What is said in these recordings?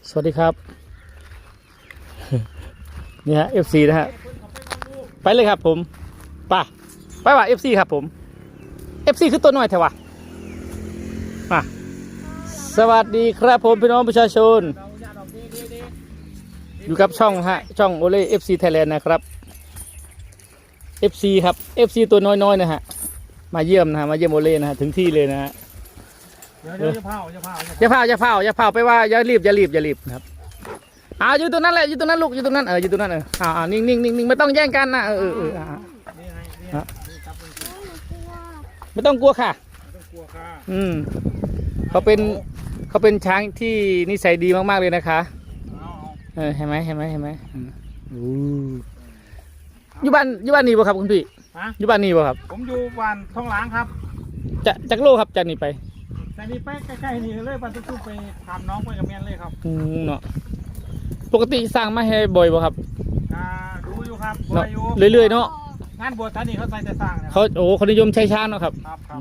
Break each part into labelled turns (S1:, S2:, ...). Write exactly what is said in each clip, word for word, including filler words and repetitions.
S1: สวัสดีครับนี่ฮะ เอฟ ซี นะฮะไปเลยครับผมป่ะไปว่ะ เอฟ ซี ครับผม เอฟ ซี คือตัวน้อยแถวะมาสวัสดีครับผมพี่น้องประชาชนอยู่กับช่องฮะช่องโอเล่ เอฟ ซี Thailand นะครับ เอฟ ซี ครับ เอฟ ซี ตัวน้อยๆนะฮะมาเยี่ยมนะฮะมาเยี่ยมโอเล่นะฮะถึงที่เลยนะฮะ
S2: เดี๋ยวจะเผาจะเผา
S1: อย่าเผาอย่าเผาอย่าเผาไปว่าอย่ารีบอย่ารีบอย่ารีบนะครับอ่าอยู่ตรงนั้นแหละอยู่ตรงนั้นลูกอยู่ตรงนั้นเอออยู่ตรงนั้นเอออ่าอ่านิ่งนิ่งนิ่งนิ่งไม่ต้องแย่งกันนะเออเออเอออ่าไม่ต้องกลัวค่ะอืมเขาเป็นเขาเป็นช้างที่นิสัยดีมากๆเลยนะคะเออเห็นไหมเห็นไหมเห็นไหมอู้อยู่บ้านอยู่บ้านนี่บ่ครับคุณพี่อยู่บ้านนี่บ่ครับ
S2: ผมอยู่บ้านท้องหลางครับ
S1: จะจากโลครับจากนี่ไป
S2: จากนี้ไปใกล้ๆนี่เลยบ้านตุ้มไปถามน้องไปกับเมียนเลยครับ
S1: อืมเนาะปกติสร้างมาให้บ่อยบ่ครับ
S2: อ่าดูอยู่ครับ
S1: เรื่อยๆเนาะ
S2: งานบวชท่านนี่เขาใส่แต่สร้าง
S1: เขาโอ้คนนิยมใช้ช้างเนาะครับ
S2: ครับครับ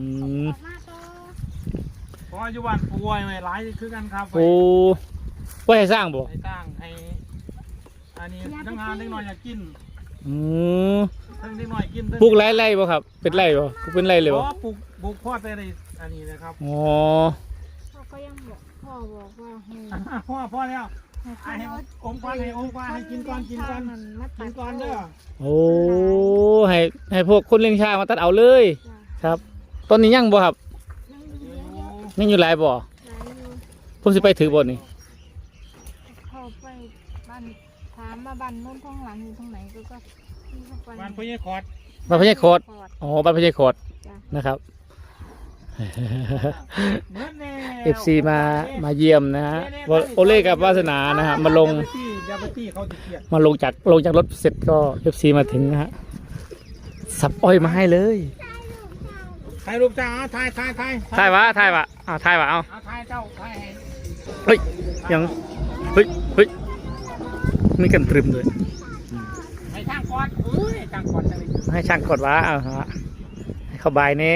S2: เพราะอยู่บ้านป่วยไม่หลายคือกันครับ
S1: โอ้ว่าให้สร้างบ่
S2: ให้สร้างให้อันนี้ทั้งงานเล็กน้อยอยากกิน
S1: อืม
S2: ทั้งเล็กน้อยกิน
S1: ปลูกไร่ไร่บ่ครับเป็นไร่บ่ปลูกเป็นไร่เลยบ่
S2: ปลูกปลูกพ่อแต่ในอันนี้นะครับ
S1: อ๋อ
S3: พ่อก็ยังบอกพ่อบอกว่าให้
S2: พ่อพ่อแล้วให้องค์กรให้องค์กรให้กินก่อนกินก่อนกินก่อนเด้อ
S1: โอ้ให้ให้พวกคนเลี้ยงช้างมาตัดเอาเลยครับตอนนี้ยังบ่ครับยังอยู่หลายบ่ผมสิไปถือบ่นี่
S3: เขาไปบ้านถามมาบ้านนู้นท้องหลังอยู่ตรงไหนก็ก็
S2: บ้านพญาคอด
S1: บ้านพญาคอดอ๋อบ้านพญาคอดนะครับเอฟซีมามาเยี่ยมนะฮะโอเล่กับวาสนานะฮะมาลงมาลงจากลงจากรถเสร็จก็เอฟซีมาถึงนะฮะสับอ้อยมาให้เลย
S2: ถ่ายรูปจ้าถ่ายถ่ายถ่าย
S1: ถ่ายวะถ่ายวะอ้าวถ่ายวะเอา
S2: ถ่ายเจ้าถ่าย
S1: เฮ้ยยังเฮ้ยเฮ้ยมีกันตรึมเลย
S2: ให้ช่างกอดเฮ้ยช่างกอดจะ
S1: ให้ช่างกอดวะเอาฮะให้เขาบายเน่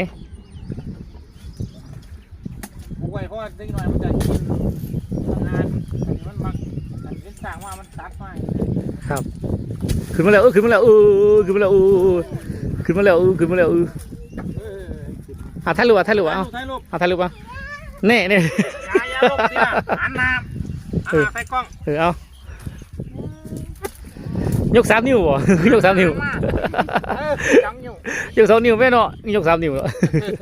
S2: ไว้เพราะว่าได้หน่อยมันจะกินงานมันมักมันเป็นต่างว่ามันตัดไป
S1: ครับขึ้นมาแล้วเออขึ้นมาแล้วเออขึ้นมาแล้วเออขึ้นมาแล้วเออขึ้นมาแล้วเอออ่ะถ่ายรูปอ่ะถ่ายรูปอ่ะเอาเอาถ่ายรูปอ่ะเน่เน่
S2: ยาลบเนี่ยหันหน้าหันหน้าใส่กล้อง
S1: เออเอายกสามนิ้วบ่ยกสามนิ้ว
S2: ยก
S1: สองนิ้วแม่เนาะนี่ยกสามนิ้วแล้ว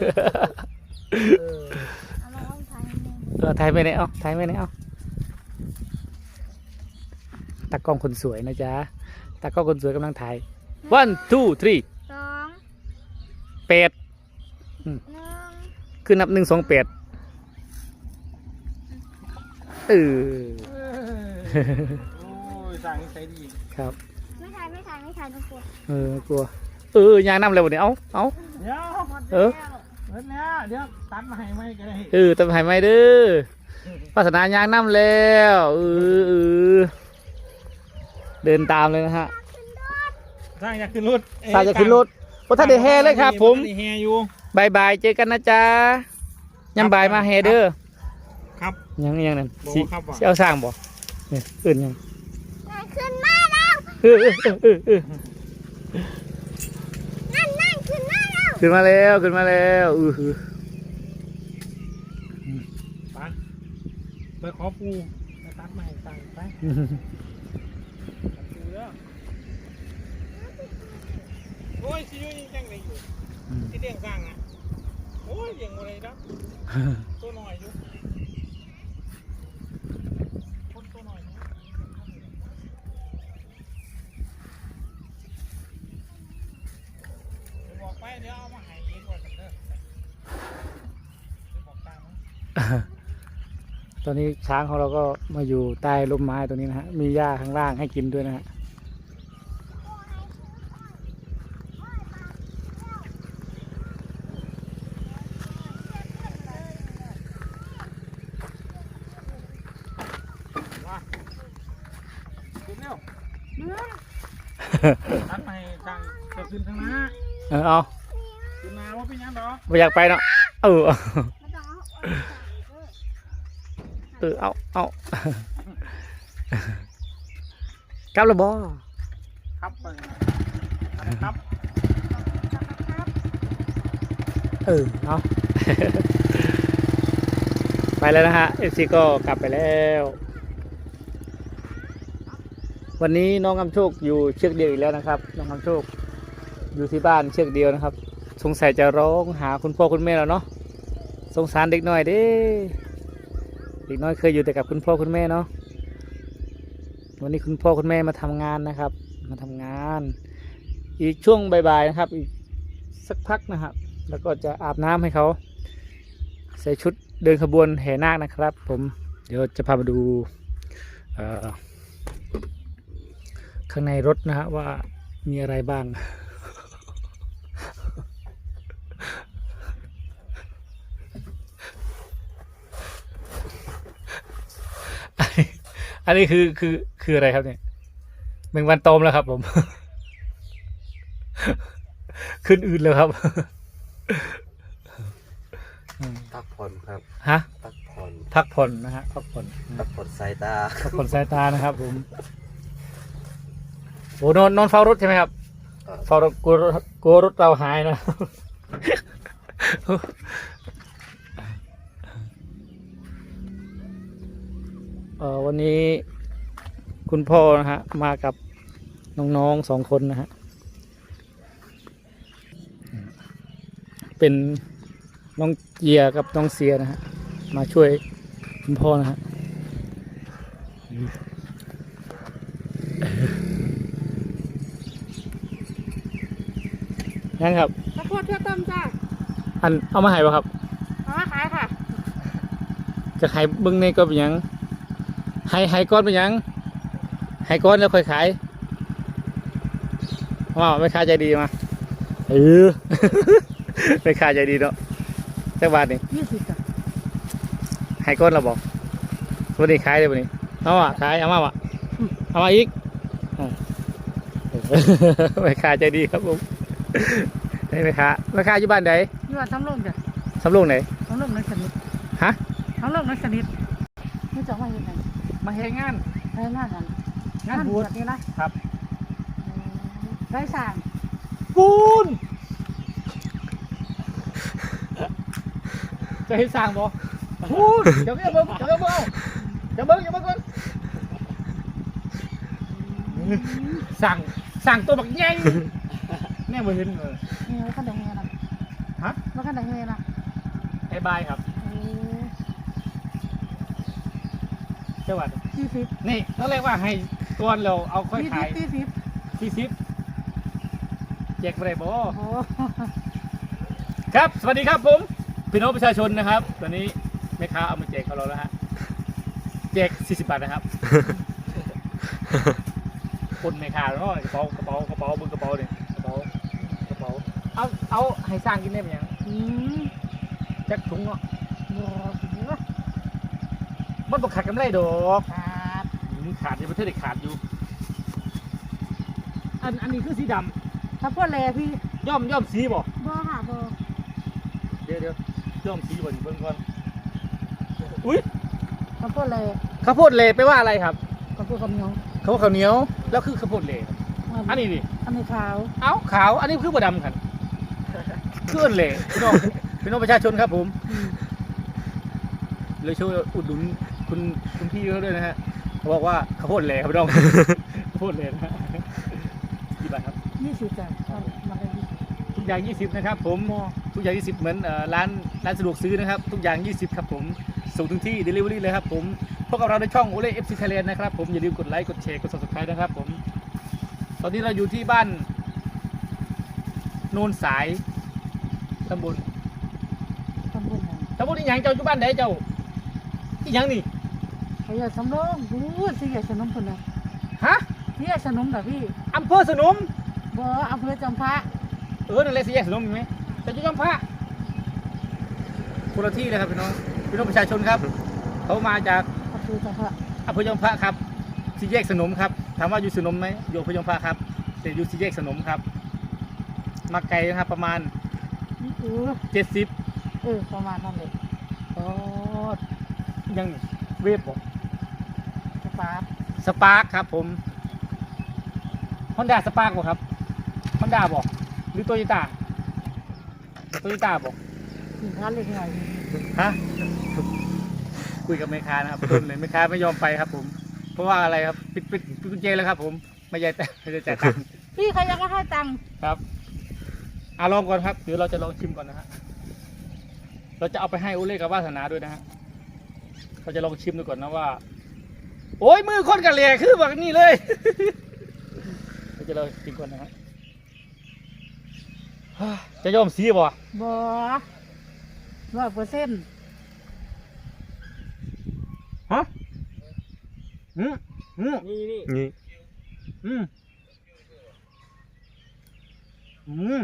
S1: เออถ่ายไปไหนเอาถ่ายไปไหนเอาตากล้องคนสวยนะจ๊ะตากล้องคนสวยกำลังถ่าย one two three
S3: สอง
S1: แปดคือนับหนึ่งสองแปดเออ
S2: โอ้ยสั่งใช้ดี
S1: ครับ
S3: ไม่ถ่ายไม่ถ่ายไม่ถ่ายต้องกลัว
S1: เออกลัวเออยางน้ำอะไรวะเนี่ยเอาเอาเออ
S2: เดี๋ยวเดี๋ยวตัดมาให้ไหมก็ได้
S1: เออตัดมาให้ไหมเด้อภาสนายางน้ำแล้วเออเออเดินตามเลยนะฮะ
S2: สร้างอยากขึ้นรถ
S1: สร้างอยากขึ้นรถโอ้ท่านเดแห่เลยครับผม
S2: แห่อยู่
S1: บายบายเจอกันนะจ๊ะยังบายมาแห่เด้อ
S2: ครับ
S1: ยังยังนั่นสิเอาสร้างบ่เนี่ยอื่นยัง
S3: ขึ้นมาแล้ว
S1: เออเออเออเออ
S3: นั่นนั่นขึ้นมาแล้ว
S1: ขึ้นมาแล้วขึ้นมาแล้วอือ
S2: ไปไปขอปูไปตัดใหม่ตัดไปโอ้ยชิวยังไงอยู่ที่เลี้ยงสร้างอ่ะโอ้ยเลี้ยงอะไรนะตัวหน่อยอยู่คนตัวหน่อยบอกไปเดี๋ยวเอามาให้เองก่อนเด้อบอกตามมั้ง
S1: ตอนนี้ช้างของเราก็มาอยู่ใต้ร่มไม้ตรงนี้นะฮะมีหญ้าข้างล่างให้กินด้วยนะฮะ
S2: ตัดไปทางจะขึ้นทางหน้า
S1: เออเอา
S2: ขึ้นมาว่าเป็นยังดอก
S1: ไม่อยากไปเนาะเออเออเอาเอากลับแล้วบ่
S2: ครับไปครับ
S1: เออเอา ไปแล้วนะฮะเอฟซีก็กลับไปแล้ว วันนี้น้องกำโชคอยู่เชือกเดียวอีกแล้วนะครับน้องกำโชคอยู่ที่บ้านเชือกเดียวนะครับ สงสัยจะร้องหาคุณพ่อคุณแม่แล้วเนาะสงสารเด็กน้อยเด้เด็กน้อยเคยอยู่แต่กับคุณพ่อคุณแม่เนาะวันนี้คุณพ่อคุณแม่มาทำงานนะครับ มาทำงาน อีกช่วงบ่ายๆนะครับอีกสักพักนะครับ แล้วก็จะอาบน้ำให้เขาใส่ชุดเดินขบวนแห่นาคนะครับ ผมเดี๋ยวจะพามาดูข้างในรถนะฮะว่ามีอะไรบ้าง อันนี้คือคือคืออะไรครับเนี่ยแมงวันตอมแล้วครับผม ขึ้นอื่นแล้วครับ
S4: พักผ่อนครับ
S1: ฮะ
S4: พักผ่อน
S1: พักผ่อนนะฮะพักผ่อน
S4: พักผ่อนสายตา
S1: พักผ่อนสายตานะครับผมโอ้นอนนอนเฝ้ารถใช่ไหมครับเฝ้ารถกลัวรถกลัวรถเราหายนะ เออวันนี้คุณพ่อนะฮะมากับน้องๆสองคนนะฮะเป็นน้องเจียกับน้องเสียนะฮะมาช่วยคุณพ่อนะฮะยังครับ
S3: ข้าวโพดเที่ยวต้มจ้า
S1: อันเอามาให้ป่ะครับ
S3: เอามาขายค่ะ
S1: จะขายเบิ้งในก็เป็นหยังให้ให้ก้อนเป็นหยังให้ก้อนแล้วค่อยขายว่าไม่ค่าใจดีมาเออ ไม่ค่าใจดีเนาะสักบาทนี่
S3: ยี่สิบจ้ะ
S1: ให้ก้อนเราบอกวันนี้ขายเลยวันนี้เอาอ่ะขายเอามาอ่ะเอามาอีกอ่า ไม่ค่าใจดีครับผมนี่ไม่ค่าไม่ค่าอยู่บ้านไหน
S3: ยี่ว่าทั้งโลกจ้ะ
S1: สำโรงไหน
S3: ทั้งโลกนักชนิด
S1: ฮะ
S3: ทั้งโลกนักชนิดนี่จะว่ายังไง
S1: มาเฮงาน
S3: ไร้หน้ากัน
S1: งานบวช
S3: นี่นะครับ ไร้สาง
S1: ปูนจะเห็นสร้างบ่ปูนเดี๋ยวเดี๋ยวเบิ้งเดี๋ยวเบิ้งเดี๋ยวเบิ้งเดี๋ยวเบิ้งก่อนสั่งสั่งตัวบักใหญ่แน่บ่เห็นเลย
S3: นี่ไว้ขั้นใดเงี้ยนะ
S1: ฮะ
S3: ไว้ขั้นใดเงี้ยนะ
S1: ไอ้บายครับเจ้าวัด
S3: สี่สิบ
S1: นี่เขาเรียกว่าให้ตัวเราเอาค่อย
S3: สี่สิ
S1: ขา
S3: บ
S1: ย
S3: สี่สิบ
S1: สี่สิบแจกไปได้บ่
S3: โอ้โห
S1: ครับ สวัสดีครับผมพี่น้องประชาชนนะครับ ตอนนี้แม่ค้าเอามาแจกกับเราแล้วฮะแจกสี่สิบบาทนะครับ คนแม่ค้าเนาะกระเป๋ากระเป๋ากระเป๋าเบนกระเป๋าเนี่ยกระเป๋ากระเป๋าเอาเอาให้สร้างกินได้ไหมยัง
S3: อืม
S1: แจ็คถุงเนาะ
S3: โอ้โห
S1: มันบอกขาดกำไรดอก
S3: ขาด
S1: อืมขาดยังไม่เท่าเด็กขาดอยู่อันอันนี้คือสีด
S3: ข้าวโพดเลยพี่
S1: ำย่อมย่อมสีบ่
S3: บ่ค่ะบ่
S1: เดี๋ยวเดี๋ยวย่อมสีบ่อยู่เบิ่งก่อนอุ้ย
S3: ข้าวโพดเลย
S1: ข้าวโพดเหลไปลว่าอะไรครับ
S3: ข้าวโพดข้าวเหนียว
S1: เขาว่าข้าวเหนียวแล้วคือข้าวโพดเหลครับอันนี้ดิ
S3: อันนี้ขาว
S1: เอ้าขาวอันนี้คือบ่ดำครับเคลื่อนเหลพี่น้องพี่น้องประชาชนครับผมเลยช่วยอุดหนุนคุณคุณพี่เขาด้วยนะฮะเขาบอกว่าข้าวโพดเหลครับพี่น้อง ข้าวโพดเหลนะฮะกี่บาทครับ
S3: ยี่สิบจ้ะมาเลยยี่สิบ
S1: ทุกอย่างยี่สิบนะครับผมทุกอย่างยี่สิบเหมือนเอ่อร้านร้านสะดวกซื้อนะครับทุกอย่างยี่สิบครับผมส่งถึงที่ Delivery เลยครับผมพบกับเราในช่องโอเล่ เอฟ ซี Thailand นะครับผมอย่าลืมกดไลค์กดแชร์กด Subscribe นะครับผมตอนนี้เราอยู่ที่บ้านโนนสายตำบล
S3: ตำบลไหน
S1: ตำบลอีหยังเจ้าอยู่บ้านไหนเจ้าอีหยังนี่
S3: เขาอยากสำรองรู้สิอยากสนมคนละ
S1: ฮะ
S3: ที่อยากสนมแบบพี่
S1: อำเภอสนม
S3: บ่อำเภอจอมพระ
S1: เออนั่นแหละสิแยกสนมเห็นไหมแต่อยู่จอมพระคนละที่เลยครับพี่น้องพี่น้องประชาชนครับเขามาจาก
S3: อำเภอจอมพระ
S1: อำเภอจอมพระครับสี่แยกสนมครับถามว่าอยู่สนมไหมอยู่อำเภอจอมพระครับแต่อยู่สี่แยกสนมครับมาไกลนะครับประมาณ
S3: เออ
S1: เจ็ดสิบ
S3: เออประมาณนั้นเลย
S1: อ๋อยังนี่เวฟบอก
S3: สปาร์ต
S1: สสปาร์คครับผมฮอนด้าสปาร์คบ่ครับฮอนด้าบอกหรือโตโยต้าโตโยต้าบอก
S3: สินค้าเล็กหน่อย
S1: ฮะคุยกับแม่ค้านะครับต้นเลยแม่ค้าไม่ยอมไปครับผม เพราะว่าอะไรครับปิดปิดปิดกุญแจแล้วครับผมไม่ใช่แต่ไม่ได้จ่ายตังค์
S3: พี่เขายังก็ให้ตังค์
S1: ครับอ่ะลองก่อนครับเดี๋ยวเราจะลองชิมก่อนนะฮะเราจะเอาไปให้โอเล่กับวาสนาด้วยนะฮะเราจะลองชิมดูก่อนนะว่า โอ้ยมือคนกันเลยคือแบบนี้เลย เราจะลองชิมก่อนนะฮะจะยอมซีบ่
S3: บ่ร้อยเปอร์เซ็นต์
S1: ฮะอืมอืม
S2: นี่นี่
S4: นี่
S1: อืมอืม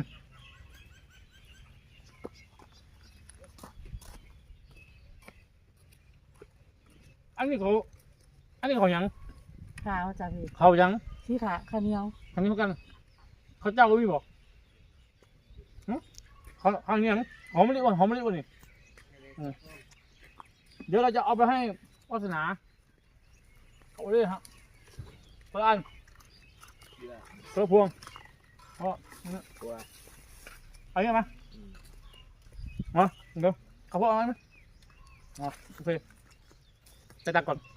S1: อันนี้เขาอันนี้เขาหยัง
S3: ขาวจ้ะพี่
S1: เขาหยัง
S3: สีขาข้าวเหนียว
S1: ทำนี้เหมือนกัน เขาเจ้าก็มีบอกหึเขาเขาหยังหอมมะลิวันหอมมะลิวันนี่เออเดี๋ยวเราจะเอาไปให้วาสนาเอาเลยฮะคนละอันคนละพวงเพราะ
S2: ตัว
S1: เอาอย่างไหมมาเดี๋ยวเขาบอกเอาไหมอ๋อโอเคจะตักก่อน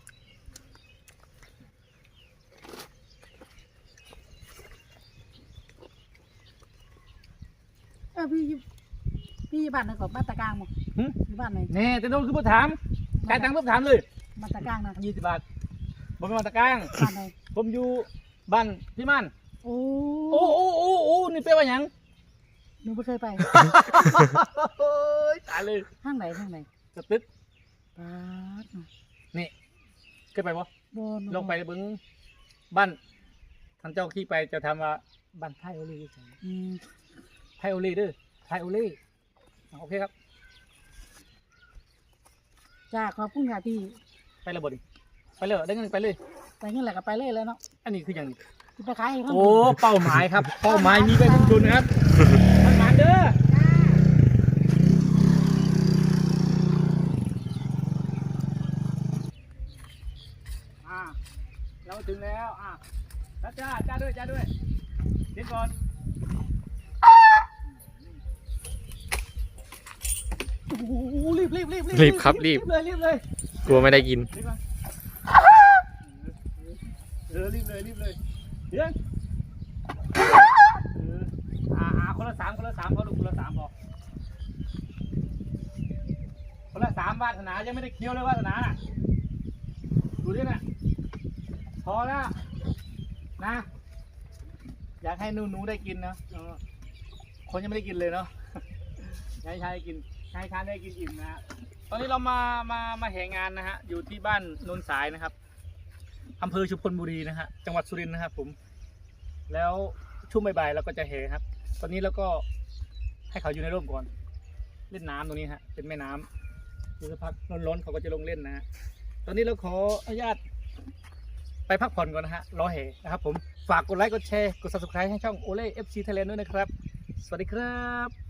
S3: เออพี่อยู่พี่อยู่บ้านไหนก่อนบ้านตะกลางมั้ง
S1: หึ
S3: อยู่บ้านไหน
S1: นี่แต่โดนคือผู้ถามจ่ายตังค์ปุ๊บถามเลย
S3: บ้านตะกลางนะ
S1: ยี่สิบบาทผมเป็นมาตะกร้าง
S3: บ้านไหน
S1: ผมอยู่บ้านพี่มัน
S3: โอ้
S1: โอ้โอ้โอ้โอ้นี่เป็นว่าหยัง
S3: หนูไม่เคยไป
S1: โอ้ยตายเลย
S3: ห้างไหนห้างไหน
S1: สตึ๊ด
S3: ปาด
S1: นี่เคยไปปะ
S3: บน
S1: ลงไปเบิ้งบ้านท่านเจ้าขี้ไปจะทำว่าบ้านไทยโอลีใช่ไหม
S3: อืม
S1: ไทยโอลีเด้อไทยโอลีอ่ะโอเคครับ
S3: จ้าขอบคุณค่ะพี่
S1: ไปเลยบ่ดิไปเลยได้เงินไปเลย
S3: ไปเงี้ยแหละก็ไปเลยแล้วเนาะ
S1: อันนี้คืออย่างนี้
S3: สิไปขายให้เขา
S1: โอ้เป้าหมายครับ เป้าหมายมีไปทุนทุนนะครับมันหมานเด้ออ่าเราถึงแล้วอ่ะแล้วจ้าจ้าด้วยจ้าด้วยเด็ดก่อน โอ้โหรีบรีบรีบ
S4: รีบครับรีบ
S1: เลยรีบเลย
S4: กลัวไม่ได้กิน
S1: รีบมาเออรีบเลยรีบเลยเดี๋ยวเอออ่าอ่าคนละสามคนละสามพอลูกคนละสามพอคนละสามวาสนายังไม่ได้เคี้ยวเลยวาสนาน่ะดูดิน่ะพอแล้วนะอยากให้หนูหนูได้กินนะเออคนยังไม่ได้กินเลยเนาะ อยากให้ชายได้กินชายชายได้กินอิ่มนะฮะตอนนี้เรามามามาแห่งานนะฮะอยู่ที่บ้านโนนสายนะครับอำเภอชุมพลบุรีนะฮะจังหวัดสุรินทร์นะครับผมแล้วช่วงบ่ายๆเราก็จะแห่ครับ ตอนนี้เราก็ให้เขาอยู่ในร่มก่อนเล่นน้ำตรงนี้ฮะเป็นแม่น้ำดูสักพักร้อนๆเขาก็จะลงเล่นนะฮะตอนนี้เราขออนุญาตไปพักผ่อนก่อนนะฮะรอแห่นะครับผมฝากกดไลค์กดแชร์กด ซับสไครบ์ ให้ช่องโอเล่ เอฟ ซี Thailand ด้วยนะครับสวัสดีครับ